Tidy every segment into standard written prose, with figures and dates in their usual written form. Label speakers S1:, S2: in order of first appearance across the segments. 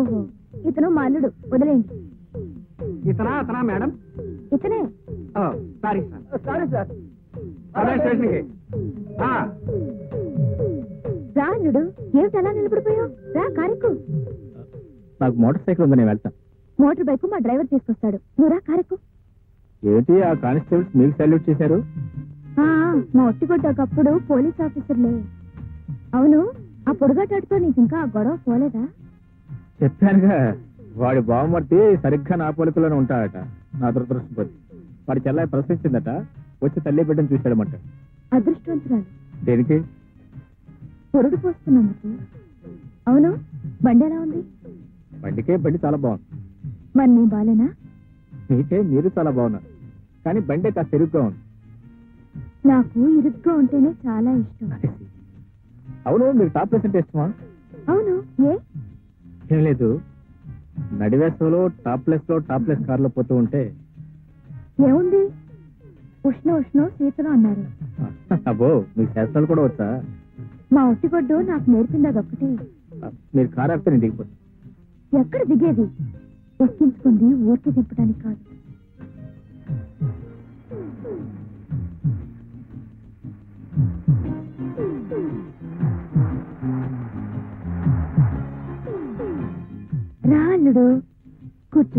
S1: ఓహో, ఇతను మా అల్లుడు, వదిలేండి.
S2: అతనా మేడం?
S1: ఇతనే.
S2: Sorry sir. స్టేషన్కి
S1: రా అల్లుడు, ఏమిటి అలా నిలబడిపోయావు? రా కారెక్కు.
S3: నాకు మోటార్ సైకిల్ ఉంది, నేను వెళ్తాను.
S1: మోటార్ బైక్ మా డ్రైవర్ తీసుకొస్తాడు, నువ్వు రా కారెక్కు.
S3: ఏంటి ఆ కానిస్టేబుల్స్ మీకు సాల్యూట్ చేశారు?
S1: మా ఒట్టిగొడ్డకప్పుడు పోలీస్ ఆఫీసర్లే. అవును, ఆ పొడుగాటాడుతో నీకు ఇంకా ఆ గొడవ పోలేదా?
S3: చెప్పానుగా, వాడి బావమర్తి సరిగ్గా నా పోలికలోనే ఉంటాడట. నా దురదృష్టపతి. వాడి చెల్లాయి ప్రశ్నించిందట, వచ్చి తల్లి బిడ్డను చూశాడమంట.
S1: అదృష్టవంతురాలు.
S3: దేనికి?
S1: పొరుడు పోస్తున్నందుకు. అవును, బండి ఎలా ఉంది?
S3: బండి చాలా బాగుంది.
S1: మరి నీ బాలేనా?
S3: మీరు చాలా బాగున్నారు, కానీ బండి కాస్త తిరుగుగా ఉంది.
S1: నాకు ఇరుగ్గా ఉంటేనే చాలా ఇష్టం.
S3: అవును, మీరు టాప్ ప్లేస్ అంటే ఇష్టమా?
S1: అవును,
S3: ఏం లేదు, నడివేసలో టాప్ ప్లేస్ కార్లో పోతూ ఉంటే
S1: ఏముంది, ఉష్ణ శీతలం అన్నారు.
S3: అబ్బో, మీకు శాస్త్రాలు కూడా వచ్చా?
S1: మా ఒట్టిగొడ్డు నాకు నేర్పింది అదొక్కటే.
S3: మీరు కారు ఆపితే నేను దిగిపోతాను.
S1: ఎక్కడ దిగేది? ఎక్కించుకుంది ఊరికి దింపడానికి కాదు. రాళ్ళుడు కూర్చో.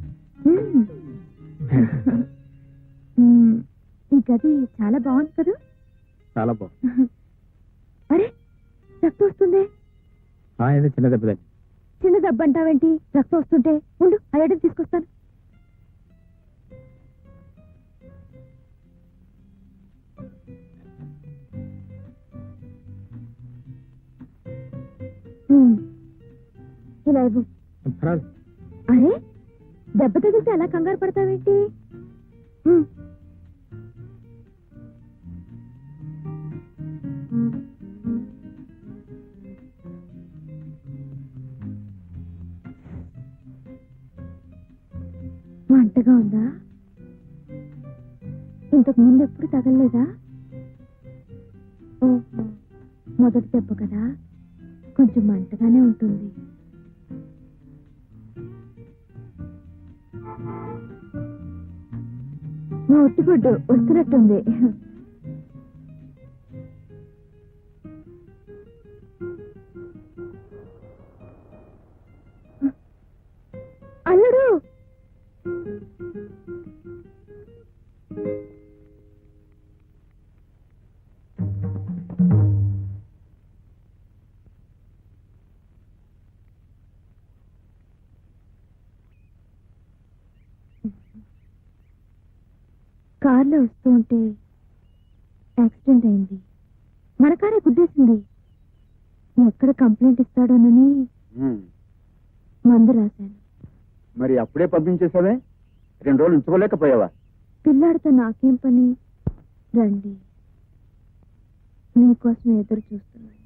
S1: ఈ గది చాలా బాగుంది కదా?
S3: చాలా బాగుంది.
S1: అరే, రక్తం వస్తుంది.
S3: చిన్న దెబ్బ.
S1: చిన్న దెబ్బ అంటావేంటి? రక్తం వస్తుంటే ఉండు, ఆ ఎడని తీసుకొస్తాను. ఇలా ఇవ్వు. అరే, దెబ్బ తగిలితే అలా కంగారు పడతావేంటి? మంటగా ఉందా? ఇంతకు ముందు ఎప్పుడు తగలలేదా? ఓహో, మొదటి దెబ్బ కదా, కొంచెం మంటగానే ఉంటుంది. మా ఒట్టిగొడ్డు వస్తున్నట్టుంది. అల్లుడు, కార్లో వస్తూ ఉంటే యాక్సిడెంట్ అయింది. మన కారే గుద్దేసింది. ఎక్కడ కంప్లైంట్ ఇస్తాడోనని మందు రాశాను.
S4: మరి అప్పుడే పంపించేసావే? 2 రోజులు ఉంచుకోలేకపోయావా?
S1: పిల్లాడితో నాకేం పని? రండి, మీకోసం ఎదురు చూస్తున్నాను.